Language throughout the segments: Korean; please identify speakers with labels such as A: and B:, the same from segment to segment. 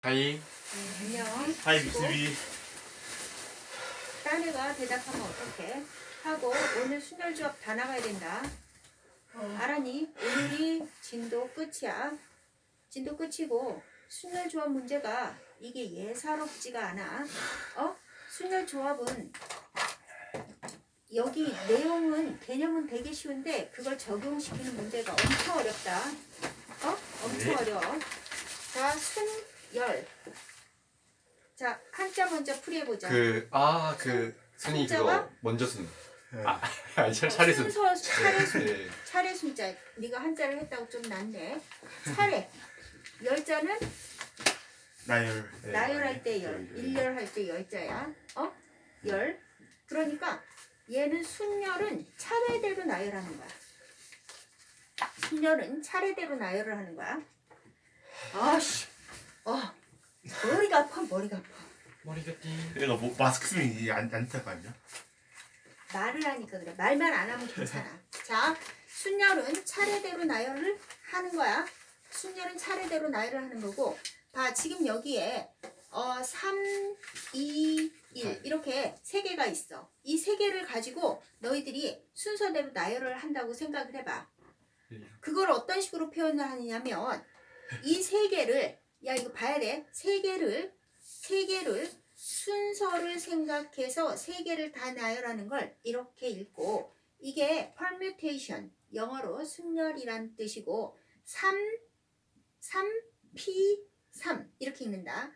A: 하이.
B: 안녕.
C: 하이 믹스비.
B: 딴 애가 대답하면 어떡해? 하고 오늘 순열조합 다 나가야 된다. 알았니? 오늘이 진도 끝이야. 진도 끝이고 순열조합 문제가 이게 예사롭지가 않아. 순열조합은 여기 내용은 개념은 되게 쉬운데 그걸 적용시키는 문제가 엄청 어렵다. 엄청 어려워. 자, 순열. 자, 한자 먼저 풀이해보자.
A: 순이
B: 순자가?
A: 그거 먼저 순. 아니 차례순.
B: 순서 차례순.
A: 네.
B: 차례순자. 네가 한자를 했다고 좀 낫네. 차례. 열자는
C: 나열.
B: 나열할 때 열. 일열할 때 열자야. 열. 그러니까 얘는 순열은 차례대로 나열하는 거야. 순열은 차례대로 나열을 하는 거야. 아씨. 머리가 아파. 머리가 아파.
A: 머리가 띵.
C: 얘가 뭐 마스크 쓰면 이게 안 탈 거 아니야?
B: 말을 하니까 그래. 말만 안 하면 괜찮아. 자, 순열은 차례대로 나열을 하는 거야. 순열은 차례대로 나열을 하는 거고, 봐, 지금 여기에 3, 2, 1 이렇게 세 개가 있어. 이 세 개를 가지고 너희들이 순서대로 나열을 한다고 생각을 해봐. 그걸 어떤 식으로 표현을 하느냐면 이 세 개를, 야 이거 봐야 돼. 세 개를 순서를 생각해서 세 개를 다 나열하는 걸 이렇게 읽고, 이게 permutation, 영어로 순열이란 뜻이고 3P3 이렇게 읽는다.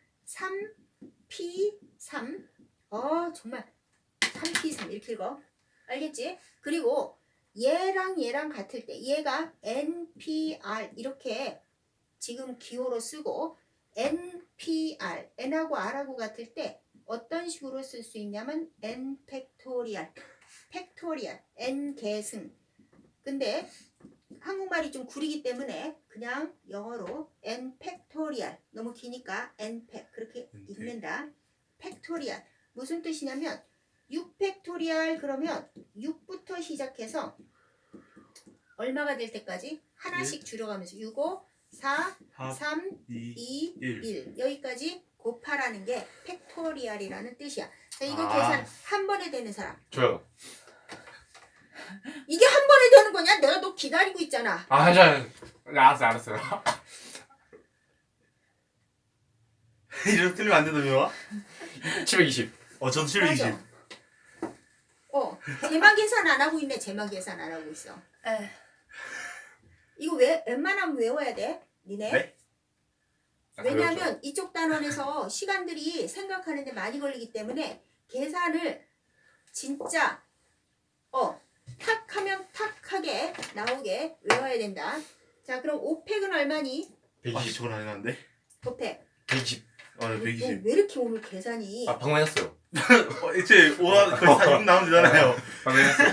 B: 3P3. 정말 3P3 이렇게 읽어. 알겠지? 그리고 얘랑 같을 때 얘가 NPR 이렇게 지금 기호로 쓰고, NPR, N하고 R하고 같을 때 어떤 식으로 쓸 수 있냐면 N 팩토리얼, N 계승. 근데 한국말이 좀 구리기 때문에 그냥 영어로 N 팩토리얼, 너무 기니까 N 팩 그렇게 읽는다. 팩토리얼 무슨 뜻이냐면 6 팩토리얼 그러면 6부터 시작해서 얼마가 될 때까지 하나씩 줄여가면서 6, 5, 4, 3, 2, 1 여기까지 곱하라는 게 팩토리얼이라는 뜻이야. 자, 이거 계산 한 번에 되는 사람.
A: 저요.
B: 이게 한 번에 되는 거냐? 내가 너 기다리고 있잖아.
A: 알았어요.
C: 이렇게 틀리면 안 된다며?
A: 720.
C: 저도 720.
B: 맞아. 제막 계산 안 하고 있네. 제막 계산 안 하고 있어. 이거 웬만하면 외워야 돼. 니네.
C: 네?
B: 왜냐하면 이쪽 단원에서 시간들이 생각하는데 많이 걸리기 때문에 계산을 진짜 탁 하면 탁하게 나오게 외워야 된다. 자, 그럼 5팩은 얼마니?
A: 120.
C: 저건 안 해놨는데?
B: 5팩.
A: 120.
C: 네, 120.
B: 왜 이렇게 오늘 계산이
A: 방금 했어요.
C: 이제 거의 4육 나오면 되잖아요.
A: 방금 했어요.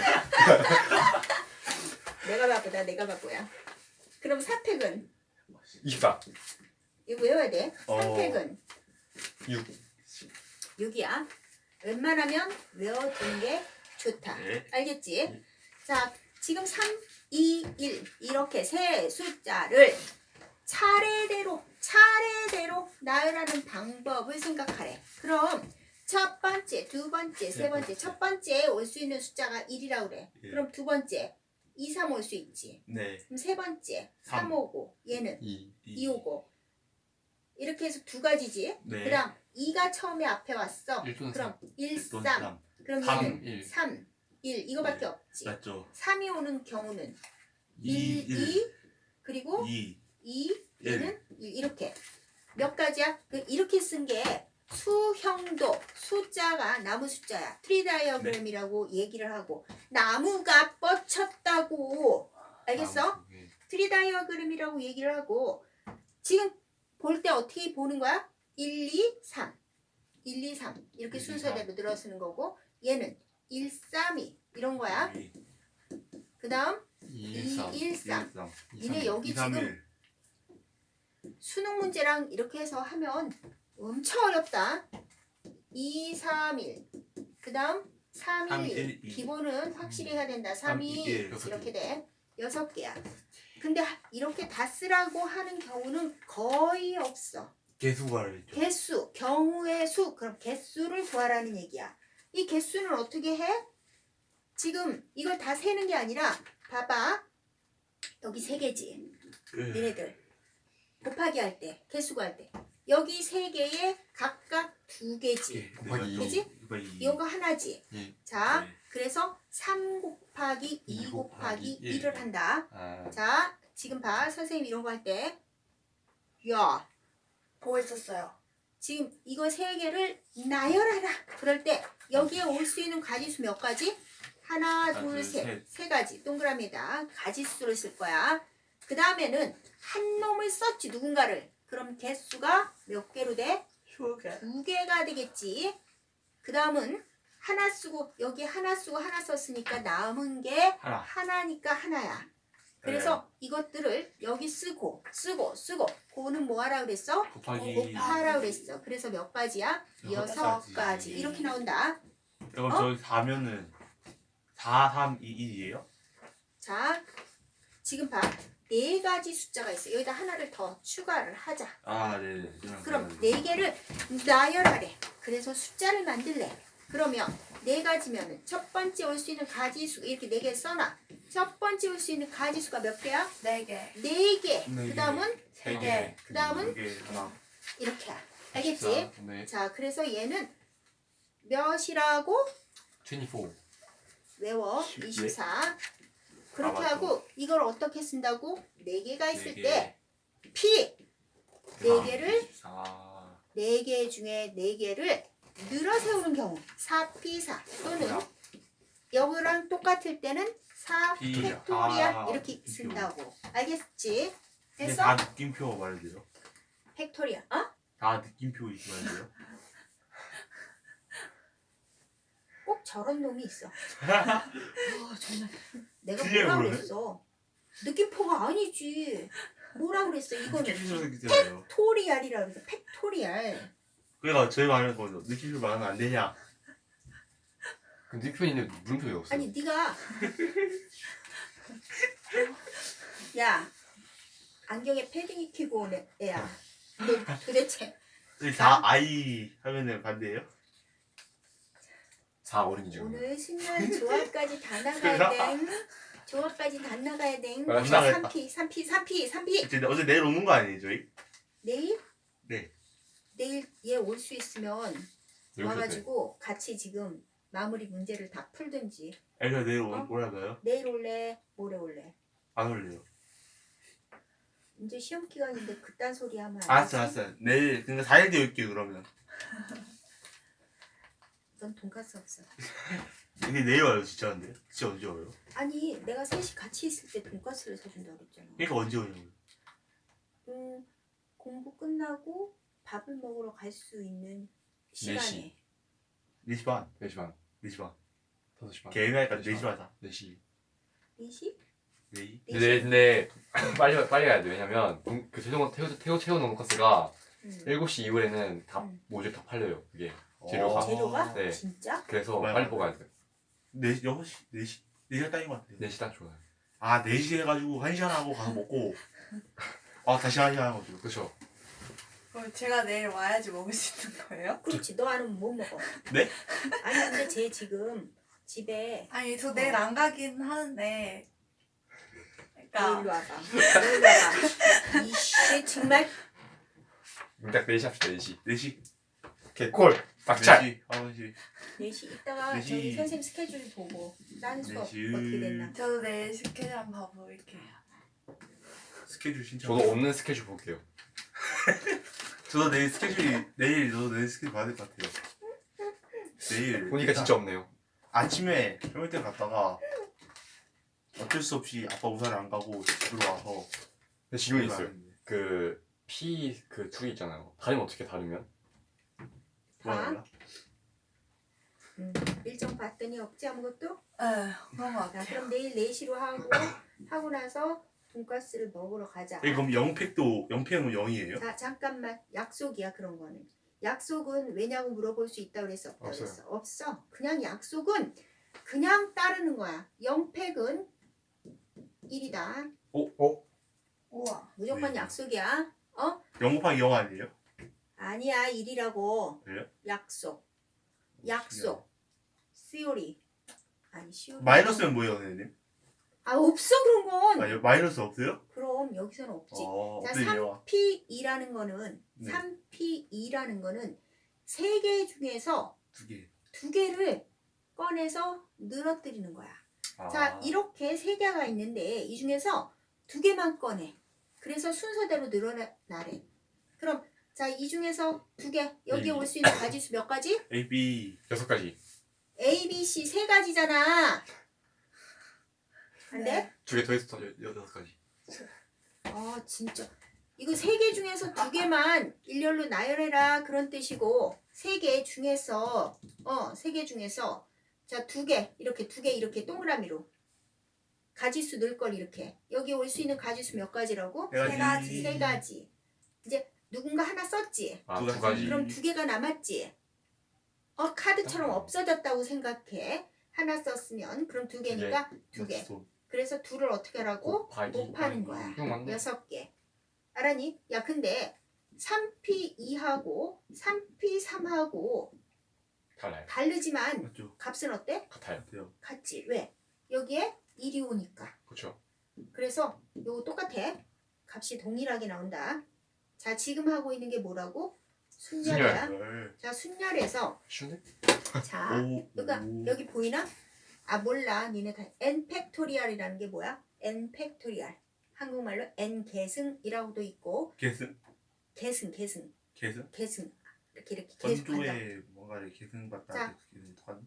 B: 내가 바쁘야. 그럼 4팩은
A: 24.
B: 이거 외워야 돼.
C: 어.
B: 3팩은
A: 6.
B: 6이야. 웬만하면 외워두는 게 좋다.
C: 네.
B: 알겠지? 자, 지금 3, 2, 1 이렇게 세 숫자를 차례대로 나열하는 방법을 생각하래. 그럼 첫 번째, 두 번째, 세 번째. 첫 번째에 올 수 있는 숫자가 1이라고 그래.
C: 예.
B: 그럼 두 번째 2, 3 올 수 있지.
C: 네.
B: 그럼 세 번째 3
C: 3.
B: 오고 얘는
A: 2.
B: 2 오고 이렇게 해서 두 가지지.
C: 네.
B: 그 다음 2가 처음에 앞에 왔어.
A: 1 또는
B: 그럼 1, 3.
C: 3.
B: 그럼
A: 3,
B: 얘는
A: 1.
B: 3, 1 이거밖에 없지.
C: 맞죠?
B: 3이 오는 경우는
C: 2,
B: 1, 2 그리고
C: 2.
B: 2
C: 일.
B: 얘는 1 이렇게 몇 가지야? 이렇게 쓴 게 수형도 숫자가 나무 숫자야. 트리 다이어그램이라고 얘기를 하고 나무가 뻗쳤다고 알겠어? 트리 다이어그램이라고 얘기를 하고 지금 볼 때 어떻게 보는 거야? 1, 2, 3 1, 2, 3 이렇게
C: 1, 2,
B: 순서대로 들어쓰는 거고 얘는 1, 3, 2 이런 거야.
C: 2,
B: 그 다음
A: 2, 3.
B: 1, 3
C: 3.
B: 니네 여기
C: 2, 3,
B: 지금
C: 1.
B: 수능 문제랑 이렇게 해서 하면 엄청 어렵다. 2, 3, 1 그 다음 3, 1, 1
C: 2.
B: 기본은 확실히 해야 된다. 3, 2, 1
C: 6개.
B: 이렇게 돼. 6개야. 근데 이렇게 다 쓰라고 하는 경우는 거의 없어.
C: 개수가를 했죠.
B: 개수, 경우의 수. 그럼 개수를 구하라는 얘기야. 이 개수는 어떻게 해? 지금 이걸 다 세는 게 아니라 봐봐. 여기 세 개지. 얘네들 곱하기 할 때, 개수 구할 때. 여기 세 개에 각각 두 개지.
A: 곱하기
B: 그지? 이거 하나지.
A: 예.
B: 자,
C: 네.
B: 그래서 3 곱하기 2 곱하기 1을 한다.
A: 아,
B: 자, 지금 봐. 선생님 이런 거 할 때. 야,
D: 보고 있었어요.
B: 지금 이거 세 개를 나열하라. 그럴 때 여기에 올 수 있는 가지수 몇 가지? 하나, 둘,
C: 둘,
B: 셋.
C: 셋.
B: 세 가지. 동그라미에다 가지수를 쓸 거야. 그 다음에는 한 놈을 썼지, 누군가를. 그럼 개수가 몇 개로 돼?
D: 휴게.
B: 두 개가 되겠지. 그 다음은 하나 쓰고, 여기 하나 쓰고 하나 썼으니까 남은 게
C: 하나.
B: 하나니까 하나야. 그래서 이것들을 여기 쓰고, 그거는 뭐 하라 그랬어?
C: 곱하기
B: 곱하라 그랬어. 그래서 몇 가지야?
C: 여섯
B: 6가지.
C: 가지.
B: 이렇게 나온다.
C: 그럼
B: 어?
C: 저기 4면은 4, 3, 2, 1이에요?
B: 자, 지금 봐. 네 가지 숫자가 있어. 여기다 하나를 더 추가를 하자.
C: 아, 네.
B: 그럼 네 개를 나열하래. 그래서 숫자를 만들래. 그러면 네 가지면은 첫 번째 올 수 있는 가지수 이렇게 네 개 써놔. 첫 번째 올 수 있는 가지수가 몇 개야?
D: 4개.
B: 네 개.
C: 네
B: 그 다음은
A: 세
D: 개.
A: 개.
B: 그 다음은
C: 이게 하나.
B: 이렇게. 알겠지?
A: 네.
B: 자, 그래서 얘는 몇이라고?
A: 24.
B: 외워.
C: 10,
B: 24. 그렇게
C: 맞다.
B: 하고 이걸 어떻게 쓴다고? 네 개가 있을
C: 네 개.
B: 때 P 네 개를
C: 4.
B: 네 개 중에 네 개를 늘어 세우는 경우 4P4 또는 여기랑 똑같을 때는 4
C: P.
B: 팩토리얼
C: 아,
B: 이렇게
C: 느낌표.
B: 쓴다고. 알겠지?
C: 이게
B: 됐어?
C: 다 느낌표 말해야 돼요?
B: 팩토리얼. 어?
C: 다 느낌표 말해야 돼요?
B: 꼭 저런 놈이 있어. 정말 내가
C: 틀려요,
B: 뭐라
C: 그러면?
B: 그랬어? 느낌표가 아니지. 뭐라 그랬어? 이거는
C: 느낌표 생기잖아요.
B: 팩토리얼이라 그래서 팩토리얼.
C: 그러니까 저희 말하는 거죠. 느낌표 말하면 안 되냐?
A: 그 닉표는 있는데 물음표 왜 없어요?
B: 아니 네가 야 안경에 패딩 입히고 온 애야. 너 도대체
C: 저희 다 I 하면은 반대예요?
A: 4 어린이지.
B: 오늘 신나는 조합까지 다 나가야 돼. 조합까지 다 나가야 돼.
A: 아,
C: 나가겠다.
B: 3P.
C: 이제 어제 내일 오는 거 아니에요, 저희?
B: 내일?
C: 네.
B: 내일 얘 올 수 있으면
A: 네.
B: 와가지고 같이 지금 마무리 문제를 다 풀든지.
C: 아니, 저 내일
B: 어?
C: 오라고요?
B: 내일 올래? 모레 올래?
C: 안 올래요.
B: 이제 시험 기간인데 그딴 소리 하면 안
C: 알았어,
B: 되지?
C: 알았어. 내일, 그러니까 4일 뒤에 올게요, 그러면.
B: 넌 돈가스 없어.
C: 근데 내일 와요, 진짜 근데. 진짜 언제 와요?
B: 아니 내가 셋이 같이 있을 때 돈가스를 사준다고 그랬잖아.
C: 그러니까 언제 오냐고요.
B: 공부 끝나고 밥을 먹으러 갈 수 있는 시간에.
A: 4시.
C: 4시 반.
A: 4시 반.
C: 4시 반.
A: 5시 반.
C: 개인하니까 4시 반이다.
A: 4시.
B: 4시?
C: 4시?
A: 근데 빨리 가야 돼. 왜냐면 그 채워놓은 코스가
B: 응.
A: 7시 이후에는 다
B: 응.
A: 모두 다 팔려요. 그게.
C: 어.
A: 재료가?
B: 재료가?
A: 네.
B: 진짜?
A: 그래서
C: 맞아요.
A: 빨리 뽑아야 돼.
C: 4시, 6시? 4시? 4시가 딱인 것 같아요.
A: 4시 딱 좋아요.
C: 아, 4시 해가지고 1시간 하고 가서 먹고. 아, 다시 1시간 하는 거죠.
A: 그렇죠.
D: 그럼 제가 내일 와야지 먹을 수 있는 거예요?
B: 그렇지. 너 안 오면 못 먹어.
C: 네?
B: 아니 근데 쟤 지금 집에
D: 아니 저 내일 안 가긴 하는데.
B: 너 일로
D: 그러니까
B: 와봐. 너 일로 와봐. 이씨 정말.
A: 딱 4시 합시다. 4시.
C: 4시?
A: 개콜. 빡찰.
C: 4시? 9시?
B: 4시 이따가
C: 4시.
B: 저희 선생님 스케줄 보고 딴 수업
C: 4시.
B: 어떻게 됐나.
D: 저도 내일 스케줄 한번 봐볼게요.
C: 스케줄 신청.
A: 저도 없는 스케줄 볼게요.
C: 저도 내일 스케줄이, 저도 내일 스케줄 봐야 될 것 같아요. 내일.
A: 보니까
C: 일단
A: 진짜 없네요.
C: 아침에 평일때 갔다가 어쩔 수 없이 아빠 우산을 안 가고 집으로 와서.
A: 근데 질문이
C: 집에
A: 있어요.
C: 왔는데.
A: 그 P 그 둘이 있잖아요. 다르면 어떻게 다르면?
C: 뭐야?
B: 일정 봤더니 없지 아무것도?
D: 그런 거
B: 자
D: 같아요.
B: 그럼 내일 4시로 하고 나서 돈가스를 먹으러 가자.
C: 그럼 영팩은 0이에요?
B: 자 잠깐만 약속이야 그런 거는. 약속은 왜냐고 물어볼 수 있다 그랬어 없다
A: 없어요.
B: 그랬어? 없어. 그냥 약속은 그냥 따르는 거야. 영팩은 1이다.
D: 우와.
B: 무조건
C: 네.
B: 약속이야. 어?
C: 0 곱하기 0 아니에요?
B: 아니야 1이라고.
C: 그래요?
B: 약속. theory. 아니 theory.
C: 마이너스는 뭐예요, 선생님?
B: 아 없어 그런 건.
C: 아, 마이너스 없어요?
B: 그럼 여기서는 없지. 자
C: 없네요.
B: 3P2라는 거는
C: 네.
B: 3P2라는 거는 세 개 중에서
C: 2개.
B: 두 개를 꺼내서 늘어뜨리는 거야. 자 이렇게 세 개가 있는데 이 중에서 두 개만 꺼내. 그래서 순서대로 늘어나래. 그럼 자 이 중에서 두 개 여기에 올 수 있는 가지수 몇 가지?
C: A, B.
A: 6가지.
B: A, B, C 세 가지잖아. 안 돼?
D: 네.
A: 2개 더해서 6가지.
B: 아 진짜 이거 세 개 중에서 두 개만 일렬로 나열해라 그런 뜻이고 세 개 중에서 세 개 중에서 자 두 개 이렇게 동그라미로 가지수 넣을 걸 이렇게 여기 올 수 있는 가지수 몇 가지라고?
C: 세 가지.
B: 세 가지. 이제 누군가 하나 썼지.
A: 아,
C: 두
A: 2가지.
C: 가지.
B: 그럼 두 개가 남았지. 카드처럼 없어졌다고 생각해. 하나 썼으면 그럼 두 개니까 두 개. 그래서 둘을 어떻게 하라고?
A: 곱하기.
B: 곱하는 거야.
A: 이거 맞네.
B: 6개. 알았니? 야 근데 3P2하고 3P3하고
A: 달라요.
B: 다르지만
C: 맞죠?
B: 값은 어때?
A: 같아요.
C: 같아요.
B: 같지. 왜? 여기에 1이 오니까.
A: 그렇죠.
B: 그래서 요거 똑같아. 값이 동일하게 나온다. 자 지금 하고 있는 게 뭐라고? 순열이야.
C: 열.
B: 자 순열에서
A: 쉬운데?
B: 자
C: 오.
B: 그러니까
C: 오.
B: 여기 보이나? 아 몰라 니네 다 n 팩토리얼이라는 게 뭐야? n 팩토리얼 한국말로 n 계승이라고도 있고
C: 계승?
B: 계승
C: 계승?
B: 이렇게 계속한다.
C: 원조에 뭔가를
B: 자.
C: 계승받다 계승 독한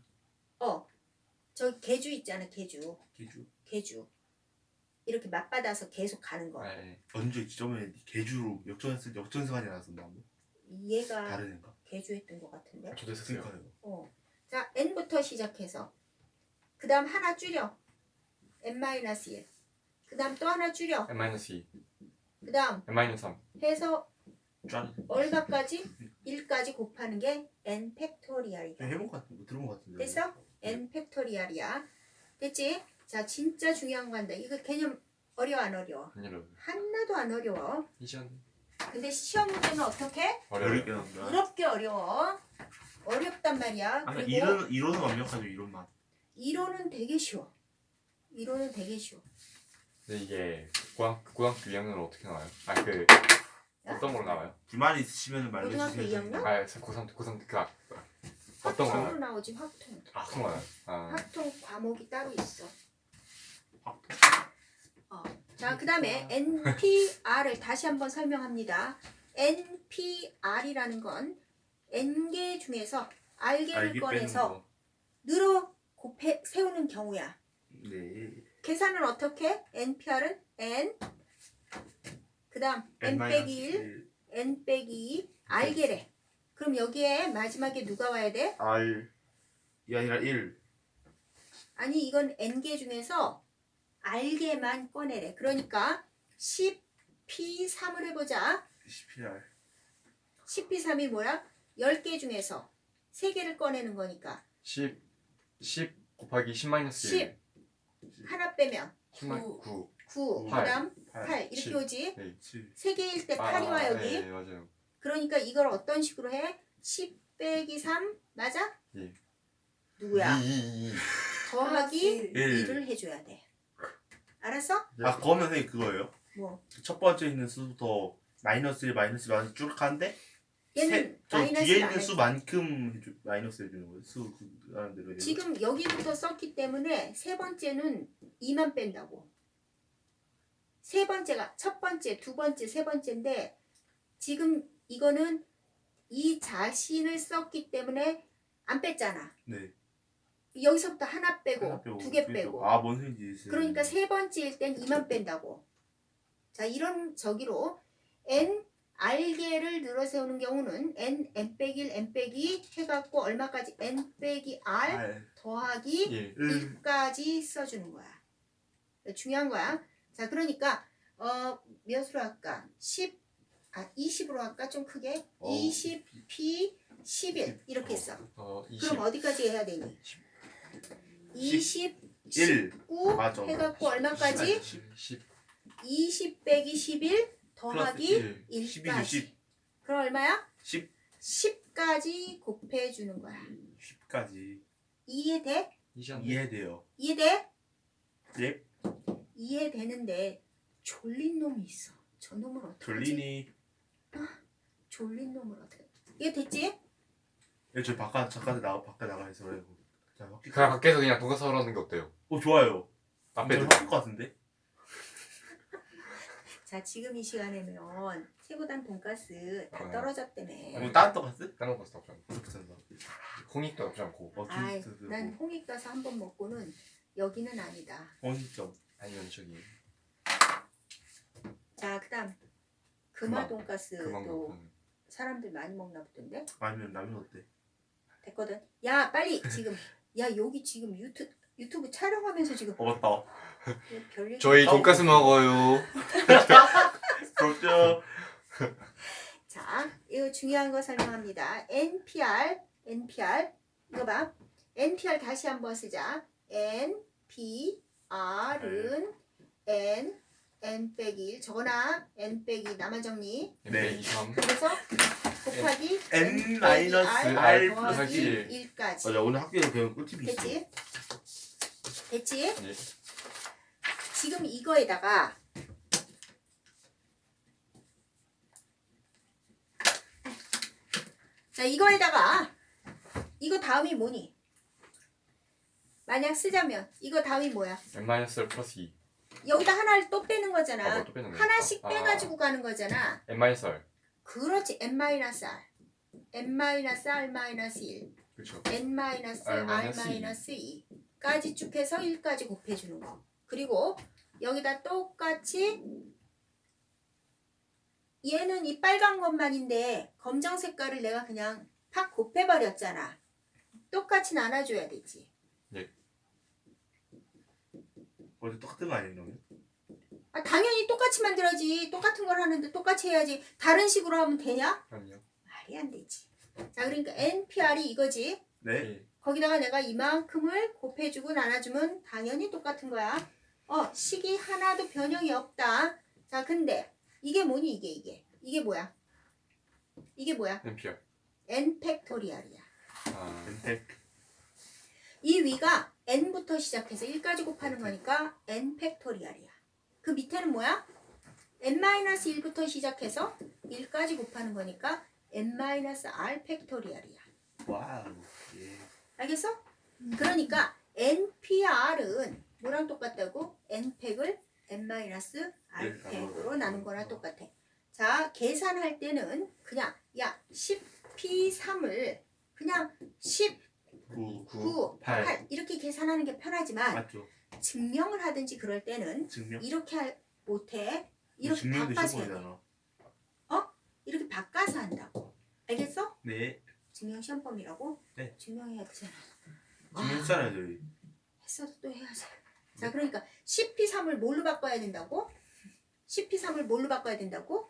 B: 저기 계주 있잖아 계주
C: 계주.
B: 이렇게 맞받아서 계속 가는 거.
A: 네.
C: 원조에 지점에 계주로 역전승하지 않았었나? 뭐?
B: 얘가
C: 다른 애인가?
B: 계주했던 것 같은데.
A: 저도 했었어요.
C: 그러니까요.
B: 자 n부터 시작해서 그 다음 하나 줄여 n-1 그 다음 또 하나 줄여
A: n-2,
B: 그 다음
A: n-3.
B: 해서
C: 짠.
B: 얼마까지? 1까지 곱하는 게 n 팩토리얼이다.
C: 해본 것 같은데, 들어본 것 같은데.
B: 됐어? n 팩토리얼이야. 됐지? 자 진짜 중요한 거 한다. 이거 개념 어려워 안 어려워?
A: 아니요.
B: 하나도 안 어려워.
A: 이전
B: 근데 시험 문제는 어떻게?
C: 어렵게
A: 어려워요.
C: 나온다.
B: 어렵게 어려워. 어렵단 말이야.
C: 아니,
B: 그리고
C: 이론은 완벽하죠, 이론만.
B: 이론은 되게 쉬워.
A: 근데 이게 고등학교 2학년은 어떻게 나와요? 어떤 걸로 나와요?
C: 불만 있으시면
B: 고등학교
C: 말해주세요.
B: 2학년?
A: 고3 어떤 거
B: 확통으로
A: 나와요?
B: 나오지 확통.
A: 그런 거요.
B: 확통 과목이 따로 있어.
C: 확통.
B: 자, 그 다음에 NPR을 다시 한번 설명합니다. NPR이라는 건 N개 중에서 R개를
C: 알기 빼는
B: 꺼내서
C: 거.
B: 늘어 곱해 세우는 경우야.
C: 네.
B: 계산은 어떻게? NPR은 N 그 다음 N 빼기 1 N 빼기 2 R개래. 그럼 여기에 마지막에 누가 와야 돼?
C: R 이 아니라 1.
B: 아니 이건 N개 중에서 R개만 꺼내래. 그러니까 10P3을 해보자.
C: CPR.
B: 10P3이 뭐야? 10개 중에서 3개를 꺼내는 거니까
A: 10 곱하기 10-1.
B: 10 하나 빼면
A: 9.
B: 9
A: 8,
B: 그 다음
C: 8.
B: 8 이렇게
A: 10.
B: 오지?
A: 네.
C: 7.
B: 3개일 때 8이 와 여기.
A: 네, 맞아요.
B: 그러니까 이걸 어떤 식으로 해? 10 빼기 3 맞아?
A: 예.
B: 누구야?
A: 2.
B: 더하기
C: 1.
B: 1을 해줘야 돼. 알았어?
C: 아, 그거면 선생님 그거예요?
B: 뭐
C: 첫 번째 있는 수부터 마이너스 1, 마이너스 1 쭉 하는데
B: 얘는
C: 저 뒤에
B: 마이너스를 안
C: 있는
B: 해.
C: 수만큼 마이너스 해주는 거예요. 수 하는 대로 해요.
B: 지금 여기부터 썼기 때문에 세 번째는 2만 뺀다고. 세 번째가 첫 번째, 두 번째, 세 번째인데 지금 이거는 이 자신을 썼기 때문에 안 뺐잖아.
C: 네.
B: 여기서부터 하나 빼고
C: 하나 빼고,
B: 두 개
C: 두
B: 빼고.
C: 아, 뭔 소리인지.
B: 그러니까 세 번째일 땐 2만 뺀다고. 자 이런 저기로 n r개를 늘어 세우는 경우는 n 빼기 1, n 빼기 해갖고 얼마까지 n 빼기 r
C: R.
B: 더하기
A: 1.
B: 1까지 써주는 거야. 중요한 거야. 자, 그러니까 몇으로 할까? 20으로 할까? 좀 크게. 20p 11 이렇게 했어.
A: 20.
B: 그럼 어디까지 해야 되니? 20,
C: 1.
B: 19
C: 맞아.
B: 해갖고 얼마까지?
A: 10.
B: 20 빼기 11 더하기
C: 플러스
A: 1.
C: 12,
B: 1까지.
C: 60.
B: 그럼 얼마야?
C: 10
B: 10까지 곱해주는 거야.
C: 10까지
B: 이해돼?
A: 이시한데.
C: 이해돼요.
B: 이해돼?
C: 예.
B: 이해되는데 졸린 놈이 있어. 저 놈은 어떡하지?
C: 졸리니.
B: 졸린 놈은 어떡해? 이해됐지?
C: 저 잠깐 나가서 그래요. 자, 바퀴.
A: 그냥 밖에서 그냥 돈가스 하러 하는 게 어때요?
C: 좋아요.
A: 앞에
C: 좀
A: 들
C: 바뀔 것 같은데?
B: 자, 지금 이 시간에면 세고단 돈가스 다
A: 아.
B: 떨어졌다며.
C: 뭐 다른 떡가스?
A: 다른 거 나쁘지 않고
C: 비싼다.
A: 홍익도 나쁘지 않고
B: 아이,
C: 뭐.
B: 난 홍익 가서 한 번 먹고는 여기는 아니다.
C: 원점.
A: 아니면 저기
B: 자, 그다음 금화
A: 금화
B: 돈가스도
A: 그만
B: 사람들 많이 먹나 보던데.
C: 아니면 라면 어때?
B: 됐거든. 야, 빨리 지금. 야, 여기 지금 유튜브 촬영하면서 지금
C: 맞다.
B: 별일.
A: 저희 돈가스 먹어요.
C: 그렇죠.
B: 자, 이거 중요한 거 설명합니다. NPR 이거 봐. NPR 다시 한번 쓰자. NPR은 N 빼기 1 적어놔. N 빼기 나만 정리.
C: 네.
A: 23
B: 그래서 곱하기
C: N 마이너스 R
A: 플러스
B: 더하기
A: 1.
B: 1까지.
C: 맞아, 오늘 학교에 배운 꿀팁이 있어.
B: 됐지? 됐지?
A: 네.
B: 지금 이거에다가 자, 이거에다가 이거 다음이 뭐니? 만약 쓰자면 이거 다음이 뭐야?
A: n-1 플러스 2
B: 여기다 하나를 또 빼는
A: 아,
B: 거잖아.
A: 뭐또 빼는 거야?
B: 하나씩
A: 아.
B: 빼가지고 가는 거잖아.
A: n-1
B: 그렇지. n-r n-r-1
A: 그렇죠.
B: n-r-2까지 쭉 해서 1까지 곱해주는 거. 그리고 여기다 똑같이 얘는 이 빨간 것만인데 검정 색깔을 내가 그냥 팍 곱해버렸잖아. 똑같이 나눠줘야 되지.
C: 어제 똑같은 거 아니에요, 그러면?
B: 아, 당연히 똑같이 만들어야지. 똑같은 걸 하는데 똑같이 해야지. 다른 식으로 하면 되냐?
A: 아니요.
B: 말이 안 되지. 자, 그러니까 NPR이 이거지.
C: 네.
A: 예.
B: 거기다가 내가 이만큼을 곱해주고 나눠주면 당연히 똑같은 거야. 식이 하나도 변형이 없다. 자, 근데 이게 뭐니? 이게 뭐야? 이게 뭐야?
A: NPR.
B: N 팩토리얼이야.
A: 아,
C: 엔텍.
B: 이 위가 n부터 시작해서 1까지 곱하는 거니까 n 팩토리얼이야. 그 밑에는 뭐야? n-1부터 시작해서 1까지 곱하는 거니까 n-r 팩토리얼이야.
C: 와우. 예.
B: 알겠어? 그러니까 npr은 뭐랑 똑같다고? n팩을 n-r팩으로 나눈 거랑 똑같아. 자, 계산할 때는 그냥 10p3을 그냥 10 9, 8 이렇게 계산하는 게 편하지만
C: 맞죠?
B: 증명을 하든지 그럴 때는
C: 증명?
B: 이렇게 못해. 이렇게
C: 증명도
B: 바꿔서 해야 돼.
C: 시험이잖아.
B: 이렇게 바꿔서 한다고. 알겠어?
C: 네.
B: 증명 시험범이라고?
C: 네.
B: 증명해야 되잖아.
C: 증명했잖아요, 저희.
B: 했어도 또 해야지. 자, 그러니까 10p3을 뭘로 바꿔야 된다고? 10p3을 뭘로 바꿔야 된다고?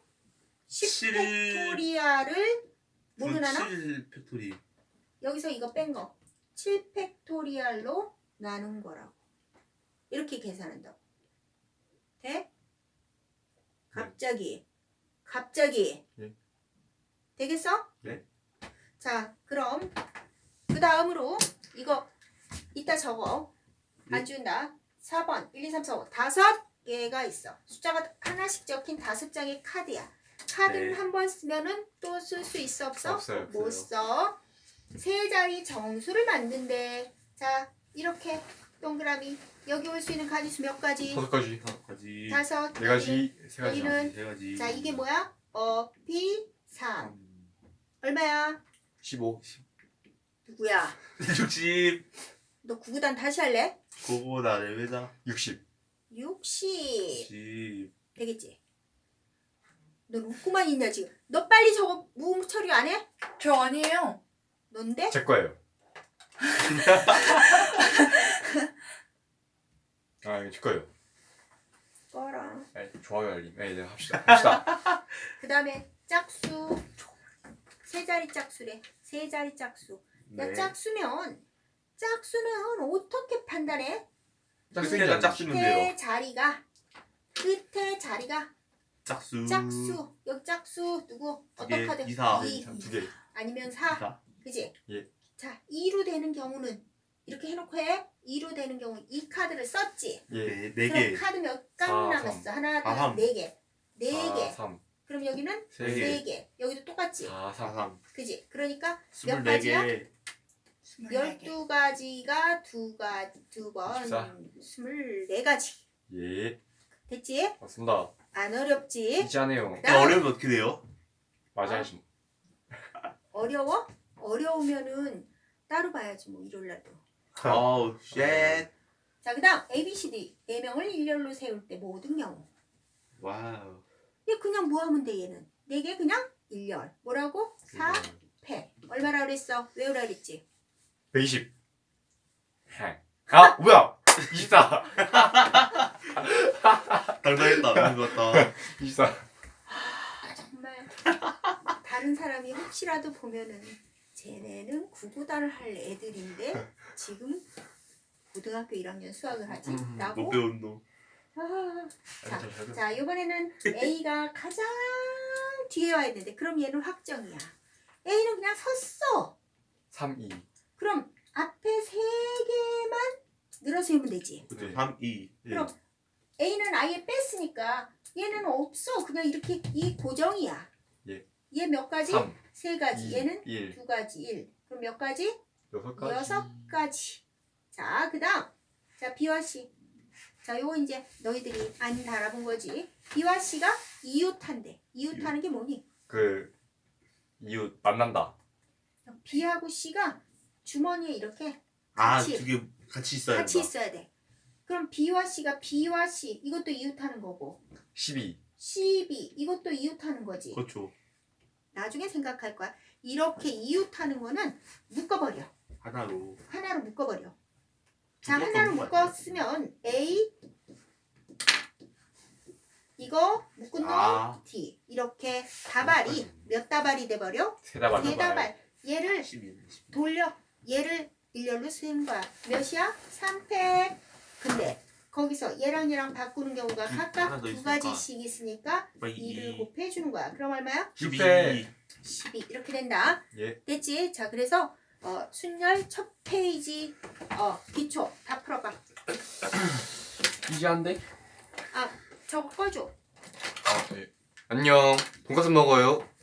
B: 10팩토리얼을 뭘로 나눠?
C: 7 팩토리.
B: 여기서 이거 뺀 거 7팩토리얼로 나눈 거라고. 이렇게 계산한다고. 돼? 갑자기
A: 네.
B: 되겠어?
C: 네.
B: 자, 그럼 그 다음으로 이거 이따 적어.
C: 네.
B: 안 준다. 4번 1, 2, 3, 4, 5 다섯 개가 있어. 숫자가 하나씩 적힌 5장의 카드야. 카드를
C: 네.
B: 한 번 쓰면은 또 쓸 수 있어 없어?
A: 없어요.
B: 못 써. 세 자리 정수를 만든대. 자, 이렇게 동그라미 여기 올 수 있는 가지수 몇 가지?
A: 5가지.
C: 가지.
B: 5.
A: 4가지. 3가지.
B: 여기는
C: 세 가지.
B: 자, 이게 뭐야? P 3. 얼마야?
A: 15.
B: 누구야?
C: 60.
B: 너 구구단 다시 할래?
C: 그거보다 레벨다.
A: 60.
B: 60.
C: 60.
B: 되겠지? 너 웃고만 있냐 지금? 너 빨리 저거 무음 처리 안 해?
D: 저 아니에요.
B: 넌데?
A: 제 거예요. 아, 이거 제 거예요.
B: 꺼라.
A: 네, 좋아요 알림. 네, 합시다.
B: 그 다음에 짝수. 세 자리 짝수래. 세 자리 짝수. 야,
C: 네.
B: 짝수는 어떻게 판단해?
C: 끝에가 짝수면 돼요.
B: 끝에 자리가
C: 짝수.
B: 짝수. 여기 짝수 누구? 어떤 카드?
C: 이사.
A: 2 개.
B: 아니면 4.
C: 이사.
B: 그지?
A: 예.
B: 자, 2로 되는 경우는 이렇게 해놓고 해. 2로 되는 경우 이 카드를 썼지.
A: 예.
C: 네
B: 그럼
C: 개.
B: 카드 몇 장
A: 4,
B: 남았어? 하나,
C: 아,
B: 둘,
C: 삼.
B: 네 개. 네
A: 4,
B: 개.
A: 3.
B: 그럼 여기는
A: 세
C: 개.
B: 세 개. 여기도 똑같지?
A: 4, 3.
C: 3.
B: 그지? 그러니까
C: 24개.
B: 12가지가 두 번
A: 24.
B: 24가지.
A: 예.
B: 됐지?
A: 맞습니다.
B: 안 어렵지?
A: 이지 않네요.
B: 나-
C: 어려우면 어떻게 돼요?
A: 맞아야지.
B: 어려워? 어려우면은 따로 봐야지 뭐 일요일 날도.
C: 아우 쉣.
B: 자, 그다음 A, B, C, D 4명을 일렬로 세울 때 모든 경우.
C: 와우.
B: 얘 그냥 뭐 하면 돼 얘는? 4개 그냥 일렬. 뭐라고? 4패. 얼마라 그랬어? 외우라 그랬지?
A: 120. 아 뭐야? 24.
C: 당당했다. 너무 좋았다.
A: 24.
B: 정말 다른 사람이 혹시라도 보면은 쟤네는 구구단을 할 애들인데 지금 고등학교 1학년 수학을 하지?
C: 못
B: 라고?
C: 배운 놈.
B: 아, 자,
A: 잘 배웠어.
B: 자 이번에는 A가 가장 뒤에 와야 되는데 그럼 얘는 확정이야. A는 그냥 섰어.
A: 3, 2.
B: 그럼 앞에 3개만 늘어서 해면 되지.
C: 그쵸.
A: 네.
C: 3, 2.
A: 예.
B: 그럼 A는 아예 뺐으니까 얘는 없어. 그냥 이렇게 이 고정이야.
A: 예.
B: 얘 몇 가지?
A: 3,
B: 3가지.
A: 2,
B: 얘는
A: 1.
B: 2가지. 1. 그럼 몇 가지?
A: 6가지.
B: 6가지. 자, 그 다음. 자, B와 C. 자, 요거 이제 너희들이 안 달아본 거지. B와 C가 이웃한대. 이웃하는 게 뭐니?
A: 그 이웃 만난다.
B: B하고 C가 주머니에 이렇게
C: 아,
B: 같이.
C: 두 개 같이 있어야
B: 같이
C: 된다.
B: 있어야 돼. 그럼 B와 C가 B와 C. 이것도 이웃하는 거고.
A: 12.
B: C, B. 이것도 이웃하는 거지.
C: 그렇죠.
B: 나중에 생각할 거야. 이렇게 이웃하는 거는 묶어버려.
C: 하나로.
B: 하나로 묶어버려. 자,
C: 두개
B: 하나로
C: 더 묶어야
B: 묶었으면 A 이거 묶은 놈
C: 아.
B: D 이렇게 다발이 몇 다발이 돼버려?
A: 세 다발.
B: 세 다발. 얘를
C: 12.
B: 돌려. 얘를 일렬로 세운 거야. 몇이야? 3패. 근데 거기서 얘랑 얘랑 바꾸는 경우가
C: 하나
B: 각각
C: 더
B: 두
C: 있으니까.
B: 가지씩 있으니까 2를 곱해주는 거야. 그럼 얼마야?
A: 6배.
B: 12 이렇게 된다.
A: 예.
B: 됐지? 자, 그래서 순열 첫 페이지 기초 다 풀어봐.
A: 이지 않대?
B: 저거 꺼줘.
A: 아, 네. 안녕. 돈가스 먹어요.